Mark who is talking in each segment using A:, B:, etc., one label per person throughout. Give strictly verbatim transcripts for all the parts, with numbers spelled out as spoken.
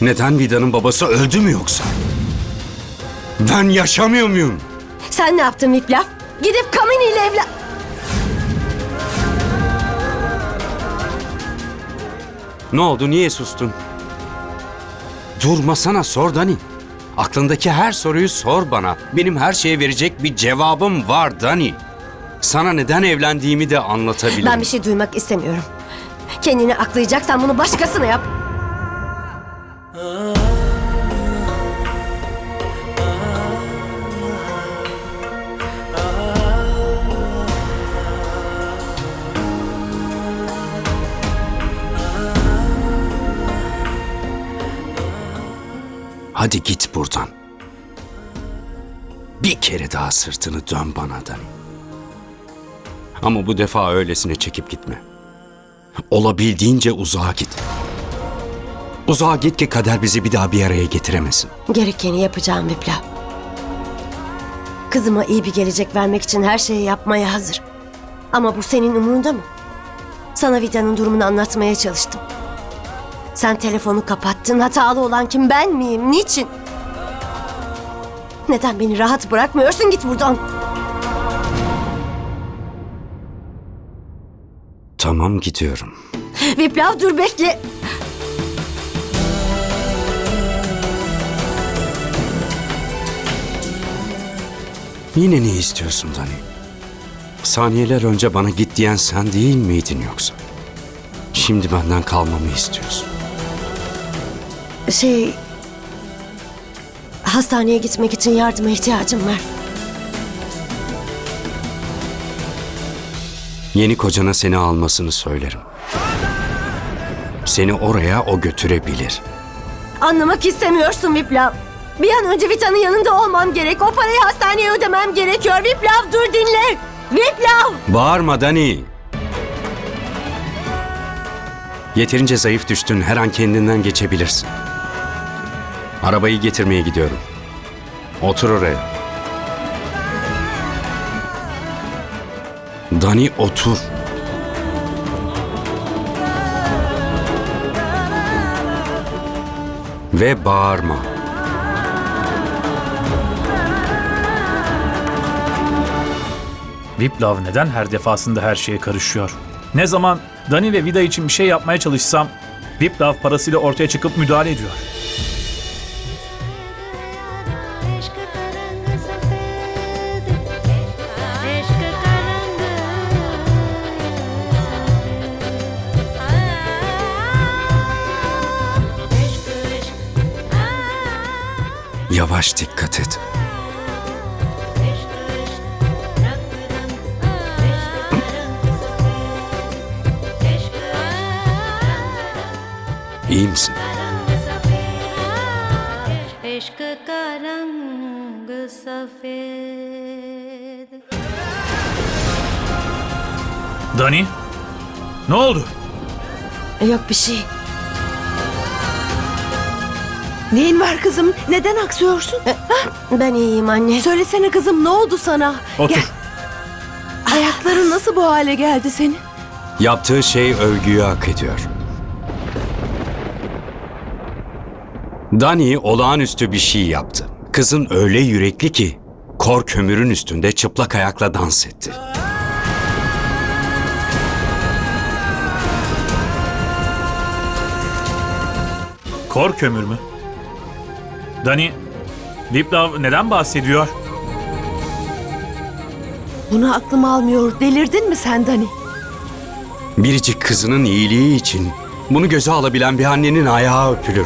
A: Neden Vida'nın babası öldü mü yoksa? Ben yaşamıyor muyum?
B: Sen ne yaptın Viplav? Gidip Kamini ile evlen...
A: Ne oldu, niye sustun? Durmasana, sor Dani. Aklındaki her soruyu sor bana. Benim her şeye verecek bir cevabım var Dani. Sana neden evlendiğimi de anlatabilirim.
B: Ben bir şey duymak istemiyorum. Kendini aklayacaksan bunu başkasına yap.
A: Hadi git buradan. Bir kere daha sırtını dön bana Dani. Ama bu defa öylesine çekip gitme. Olabildiğince uzağa git. Uzağa git ki kader bizi bir daha bir araya getiremesin.
B: Gerekeni yapacağım Viplav. Kızıma iyi bir gelecek vermek için her şeyi yapmaya hazır. Ama bu senin umurunda mı? Sana Vida'nın durumunu anlatmaya çalıştım. Sen telefonu kapattın. Hatalı olan kim, ben miyim? Niçin? Neden beni rahat bırakmıyorsun? Git buradan.
A: Tamam, gidiyorum.
B: Viplav dur, bekle.
A: Yine ne istiyorsun Dani? Saniyeler önce bana git diyen sen değil miydin yoksa? Şimdi benden kalmamı istiyorsun.
B: Şey... Hastaneye gitmek için yardıma ihtiyacım var.
A: Yeni kocana seni almasını söylerim. Seni oraya o götürebilir.
B: Anlamak istemiyorsun Viplav. Bir an önce Vita'nın yanında olmam gerek. O parayı hastaneye ödemem gerekiyor. Viplav dur, dinle. Viplav!
A: Bağırma Dani. Yeterince zayıf düştün. Her an kendinden geçebilirsin. Arabayı getirmeye gidiyorum. Otur oraya. Dani, otur. Ve bağırma.
C: Viplav neden her defasında her şeye karışıyor? Ne zaman Dani ve Vida için bir şey yapmaya çalışsam Viplav parasıyla ortaya çıkıp müdahale ediyor.
A: Yavaş, dikkat et. İyi misin?
D: इश्क का रंग सफेद।
C: Dani? Ne oldu?
B: Yok bir şey.
E: Neyin var kızım? Neden aksıyorsun?
B: Ben iyiyim anne.
E: Söylesene kızım, ne oldu sana?
C: Otur.
E: Gel. Ayakların nasıl bu hale geldi senin?
A: Yaptığı şey övgüyü hak ediyor. Dani olağanüstü bir şey yaptı. Kızın öyle yürekli ki kor kömürün üstünde çıplak ayakla dans etti.
C: Kor kömür mü? Dani, Viplav neden bahsediyor?
E: Bunu aklım almıyor. Delirdin mi sen Dani?
A: Biricik kızının iyiliği için bunu göze alabilen bir annenin ayağı öpülür.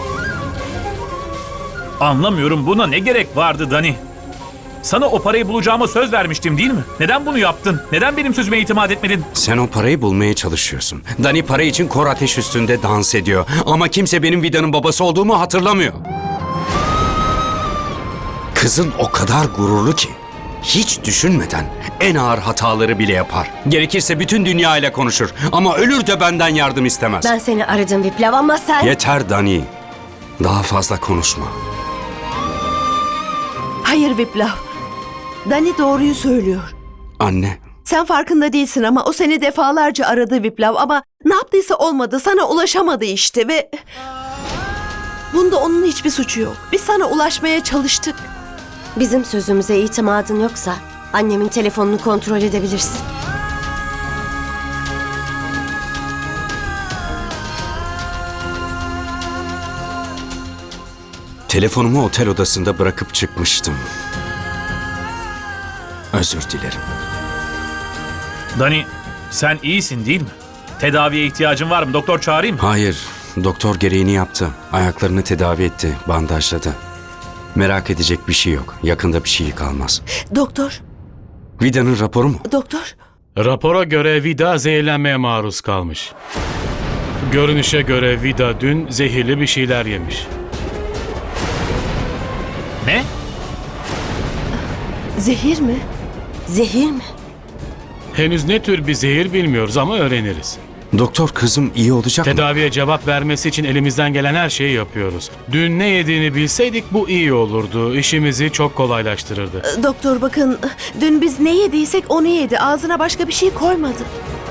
C: Anlamıyorum, buna ne gerek vardı Dani? Sana o parayı bulacağıma söz vermiştim değil mi? Neden bunu yaptın? Neden benim sözüme itimat etmedin?
A: Sen o parayı bulmaya çalışıyorsun. Dani para için kor ateş üstünde dans ediyor. Ama kimse benim Vida'nın babası olduğumu hatırlamıyor. Kızın o kadar gururlu ki hiç düşünmeden en ağır hataları bile yapar. Gerekirse bütün dünya ile konuşur ama ölür de benden yardım istemez.
B: Ben seni aradım Viplav ama sen...
A: Yeter Dani. Daha fazla konuşma.
E: Hayır Viplav. Dani doğruyu söylüyor.
A: Anne,
E: Sen farkında değilsin ama o seni defalarca aradı Viplav ama ne yaptıysa olmadı. Sana ulaşamadı işte ve... Bunda onun hiçbir suçu yok. Biz sana ulaşmaya çalıştık.
B: Bizim sözümüze itimadın yoksa annemin telefonunu kontrol edebilirsin.
A: Telefonumu otel odasında bırakıp çıkmıştım. Özür dilerim.
C: Dani, sen iyisin değil mi? Tedaviye ihtiyacın var mı? Doktor çağırayım mı?
A: Hayır, doktor gereğini yaptı. Ayaklarını tedavi etti, bandajladı. Merak edecek bir şey yok. Yakında bir şey kalmaz.
E: Doktor,
A: Vida'nın raporu mu?
E: doktor.
F: Rapora göre Vida zehirlenmeye maruz kalmış. Görünüşe göre Vida dün zehirli bir şeyler yemiş.
C: Ne?
E: Zehir mi?
B: Zehir mi?
F: Henüz ne tür bir zehir bilmiyoruz ama öğreniriz.
A: Doktor, kızım iyi olacak mı?
F: Tedaviye cevap vermesi için elimizden gelen her şeyi yapıyoruz. Dün ne yediğini bilseydik bu iyi olurdu. İşimizi çok kolaylaştırırdı.
E: Doktor bakın, dün biz ne yediysek onu yedi. Ağzına başka bir şey koymadı.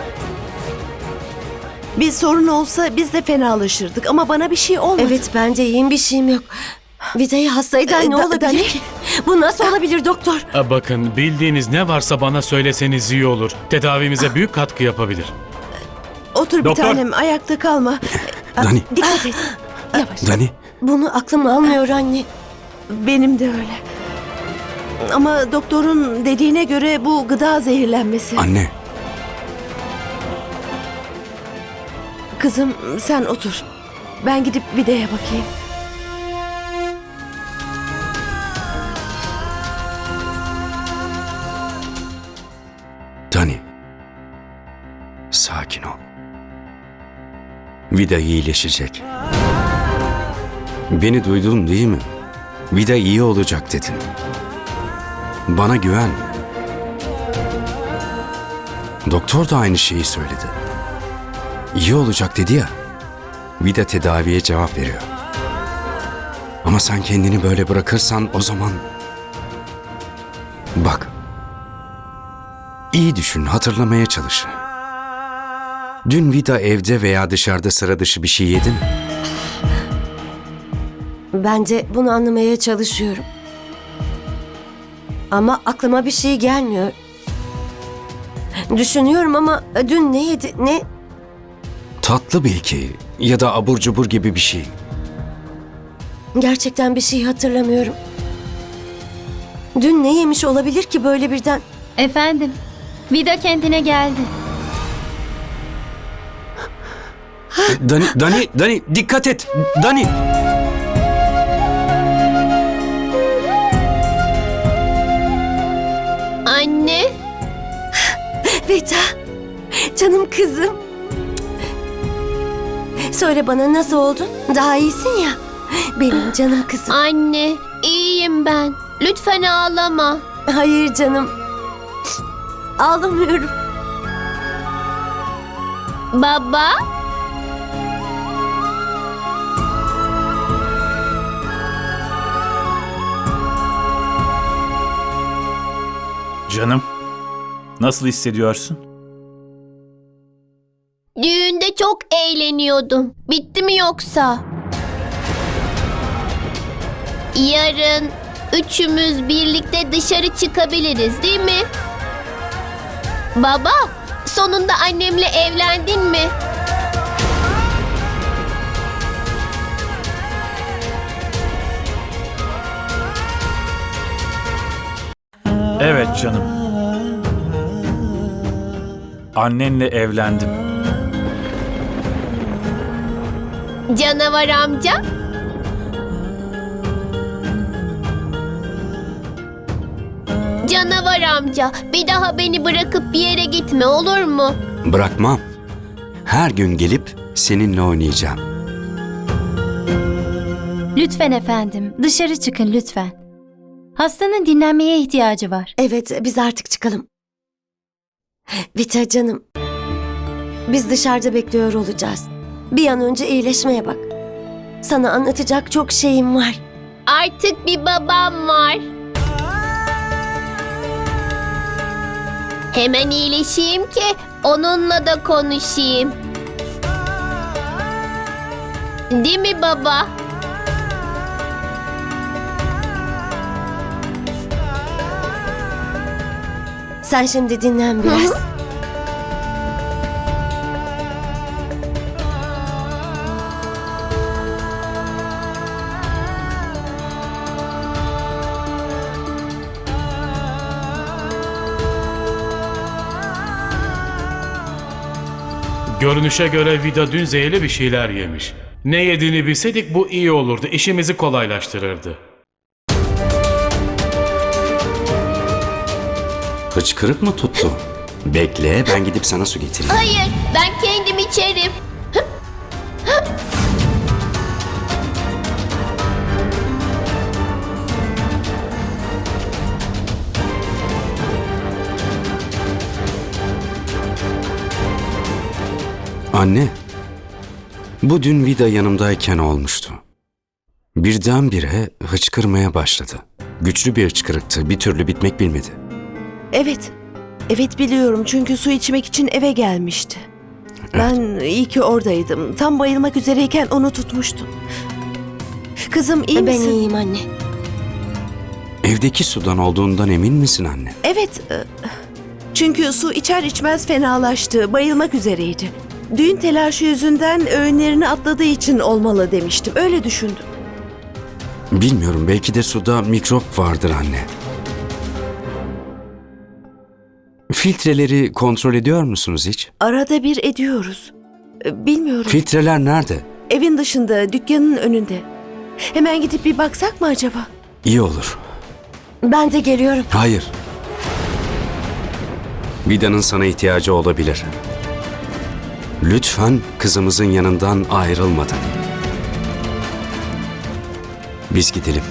E: Bir sorun olsa biz de fenalaşırdık ama bana bir şey olmadı.
B: Evet, ben de iyiyim, bir şeyim yok. Vida'yı hastaydı,
E: Ee,
B: ne
E: da-
B: olabilir
E: Dani?
B: ki? Bu nasıl olabilir doktor?
F: Ha, Bakın, bildiğiniz ne varsa bana söyleseniz iyi olur. Tedavimize büyük katkı yapabilir.
E: Otur bir
C: Doktor.
E: tanem, ayakta kalma.
A: Dani,
B: Dikkat et. Yavaş.
A: Dani.
B: Bunu aklım almıyor anne.
E: Benim de öyle. Ama doktorun dediğine göre bu gıda zehirlenmesi.
A: Anne,
E: Kızım sen otur. Ben gidip Vida'ya bakayım.
A: Dani. Sakin ol. Vida iyileşecek. Beni duydun değil mi? Vida iyi olacak dedin. Bana güven. Doktor da aynı şeyi söyledi. İyi olacak dedi ya. Vida tedaviye cevap veriyor. Ama sen kendini böyle bırakırsan o zaman... Bak. İyi düşün, hatırlamaya çalış. Dün Vida evde veya dışarıda sıra dışı bir şey yedi mi?
B: Ben de bunu anlamaya çalışıyorum. Ama aklıma bir şey gelmiyor. Düşünüyorum ama dün ne yedi, ne...
A: Tatlı belki ya da abur cubur gibi bir şey.
B: Gerçekten bir şey hatırlamıyorum. Dün ne yemiş olabilir ki böyle birden?
G: Efendim, Vida kendine geldi.
A: Dani, Dani, Dani dikkat et. Dani.
H: Anne,
B: Vida, canım kızım. Söyle bana, nasıl oldun? Daha iyisin ya. Benim canım kızım.
H: anne, iyiyim ben. Lütfen ağlama.
B: Hayır canım. Ağlamıyorum.
H: Baba,
C: Canım, nasıl hissediyorsun?
H: düğünde çok eğleniyordum. Bitti mi yoksa? Yarın üçümüz birlikte dışarı çıkabiliriz, değil mi? Baba, sonunda annemle evlendin mi?
C: Evet canım. Annenle evlendim.
H: Canavar amca? Canavar amca, bir daha beni bırakıp bir yere gitme, olur mu?
A: Bırakmam. Her gün gelip seninle oynayacağım.
G: Lütfen efendim, dışarı çıkın lütfen. Hastanın dinlenmeye ihtiyacı var.
B: Evet, biz artık çıkalım. Vita canım. Biz dışarıda bekliyor olacağız. Bir an önce iyileşmeye bak. Sana anlatacak çok şeyim var.
H: Artık bir babam var. Hemen iyileşeyim ki onunla da konuşayım. Değil mi baba?
B: Sen şimdi dinlen biraz.
F: Görünüşe göre Vida dün zehirli bir şeyler yemiş. Ne yediğini bilseydik bu iyi olurdu. İşimizi kolaylaştırırdı.
A: Hıçkırık mı tuttu? Bekle, ben gidip sana su getireyim.
H: Hayır, ben kendim içerim.
A: Anne, bu dün Vida yanımdayken olmuştu. Birdenbire hıçkırmaya başladı. Güçlü bir hıçkırıktı, bir türlü bitmek bilmedi.
E: Evet. Evet biliyorum çünkü su içmek için eve gelmişti. Ben iyi ki oradaydım. Tam bayılmak üzereyken onu tutmuştum. Kızım iyi
B: Ben
E: misin?
B: iyiyim anne.
A: Evdeki sudan olduğundan emin misin anne?
E: Evet. e, Çünkü su içer içmez fenalaştı. Bayılmak üzereydi. Düğün telaşı yüzünden öğünlerini atladığı için olmalı demiştim. Öyle düşündüm.
A: Bilmiyorum, belki de suda mikrop vardır anne. Filtreleri kontrol ediyor musunuz hiç?
E: Arada bir ediyoruz. E, Bilmiyorum.
A: Filtreler nerede?
E: Evin dışında, dükkanın önünde. Hemen gidip bir baksak mı acaba?
A: İyi olur.
B: Ben de geliyorum.
A: Hayır. Vida'nın sana ihtiyacı olabilir. Lütfen kızımızın yanından ayrılmadan. Biz gidelim.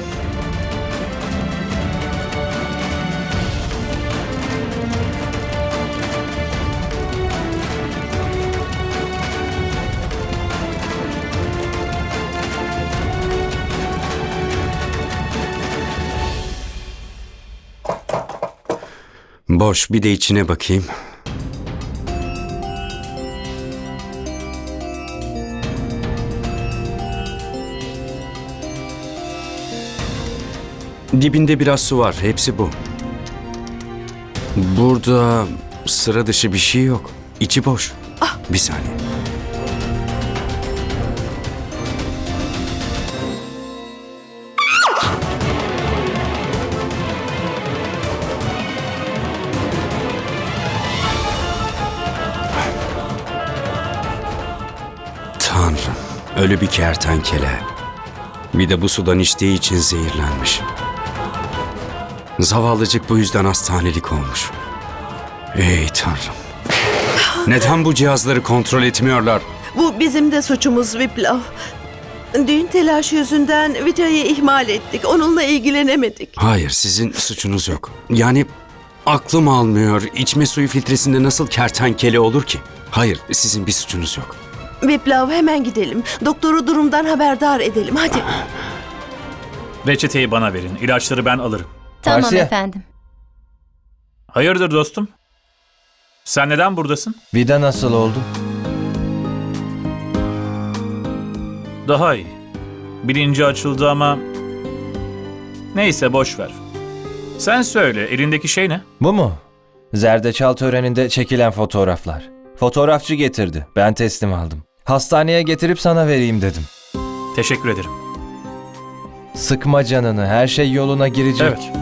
A: Boş, bir de içine bakayım. Dibinde biraz su var, hepsi bu. Burada sıra dışı bir şey yok. İçi boş. Bir saniye. Tanrım, ölü bir kertenkele. Bir de bu sudan içtiği için zehirlenmiş. Zavallıcık bu yüzden hastanelik olmuş. Ey Tanrım. Neden bu cihazları kontrol etmiyorlar?
E: Bu bizim de suçumuz Viplav. Düğün telaşı yüzünden Vita'yı ihmal ettik. Onunla ilgilenemedik.
A: Hayır, sizin suçunuz yok. Yani aklım almıyor. İçme suyu filtresinde nasıl kertenkele olur ki? Hayır, sizin bir suçunuz yok.
E: Viplav hemen gidelim. Doktoru durumdan haberdar edelim. Hadi.
C: Reçeteyi bana verin. İlaçları ben alırım.
G: Tamam
I: Marsiye.
G: efendim.
C: Hayırdır dostum? Sen neden buradasın?
I: Vida nasıl oldu?
C: Daha iyi. Bilinci açıldı ama... Neyse boş ver. Sen söyle, elindeki şey ne?
I: Bu mu? Zerdeçal töreninde çekilen fotoğraflar. Fotoğrafçı getirdi. Ben teslim aldım. Hastaneye getirip sana vereyim dedim.
C: Teşekkür ederim.
I: Sıkma canını. Her şey yoluna girecek.
C: Evet.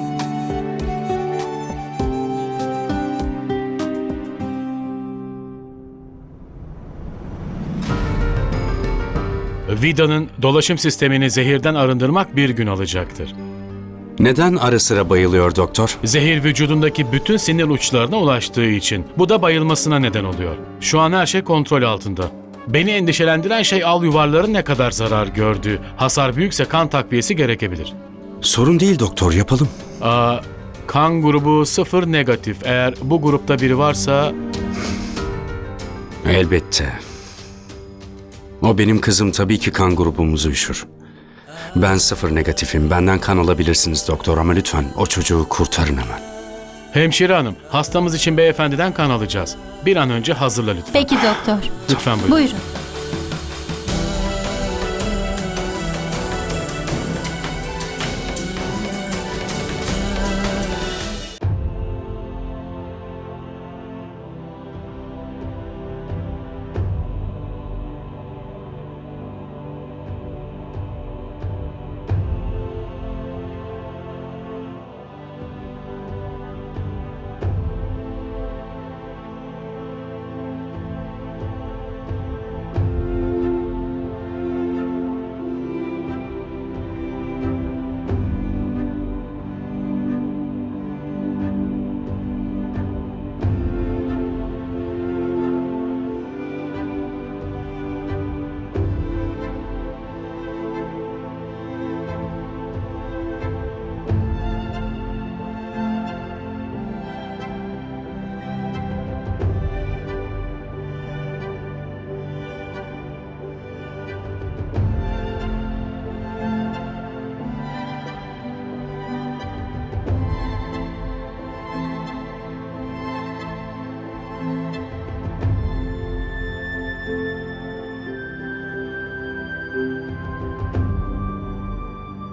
F: Vida'nın dolaşım sistemini zehirden arındırmak bir gün alacaktır.
A: Neden ara sıra bayılıyor doktor?
F: Zehir vücudundaki bütün sinir uçlarına ulaştığı için. Bu da bayılmasına neden oluyor. Şu an her şey kontrol altında. Beni endişelendiren şey al yuvarların ne kadar zarar gördüğü. Hasar büyükse kan takviyesi gerekebilir.
A: Sorun değil doktor, yapalım.
F: Aa, kan grubu sıfır negatif. Eğer bu grupta biri varsa...
A: Elbette. O benim kızım, tabii ki kan grubumuzu üşür. Ben sıfır negatifim. Benden kan alabilirsiniz doktor ama lütfen o çocuğu kurtarın hemen.
F: Hemşire hanım, hastamız için beyefendiden kan alacağız. Bir an önce hazırla lütfen.
G: Peki doktor.
F: Lütfen buyurun.
G: Buyurun.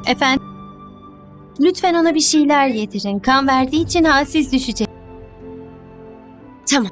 G: Efendim? Lütfen ona bir şeyler yedirin. Kan verdiği için halsiz düşecek.
B: Tamam.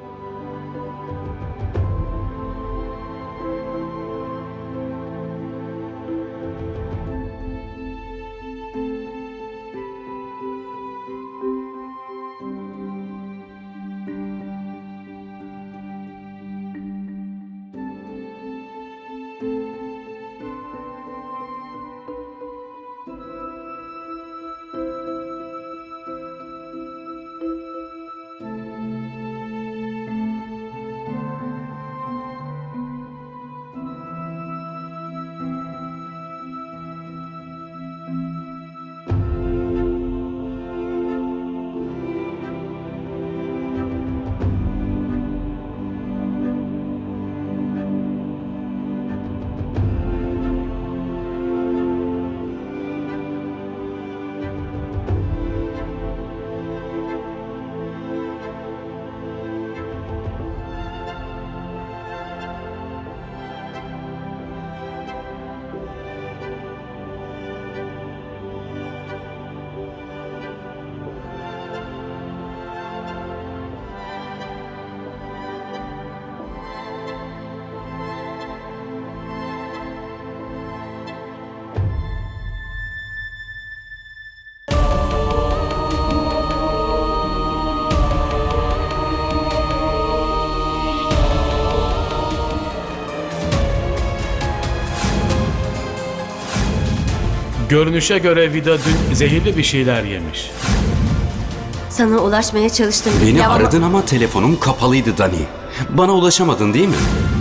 F: Görünüşe göre Vida dün zehirli bir şeyler yemiş.
B: Sana ulaşmaya çalıştım.
A: Beni
B: Ya ama-
A: aradın ama telefonum kapalıydı Dani. Bana ulaşamadın değil mi?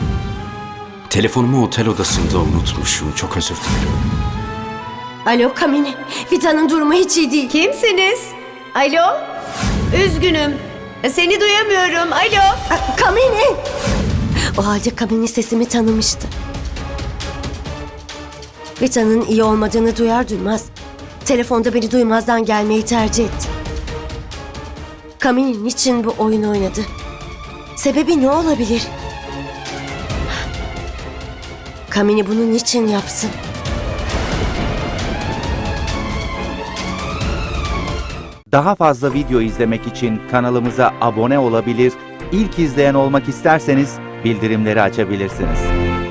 A: Telefonumu otel odasında unutmuşum. Çok özür dilerim.
B: Alo Kamini. Vida'nın durumu hiç iyi değil.
E: Kimsiniz? Alo? Üzgünüm. Seni duyamıyorum. Alo?
B: Aa, Kamini. O halde Kamini sesimi tanımıştı. Vida'nın iyi olmadığını duyar duymaz telefonda beni duymazdan gelmeyi tercih etti. Kamini niçin bu oyunu oynadı? Sebebi ne olabilir? Kamini bunu niçin yapsın?
J: Daha fazla video izlemek için kanalımıza abone olabilir, ilk izleyen olmak isterseniz bildirimleri açabilirsiniz.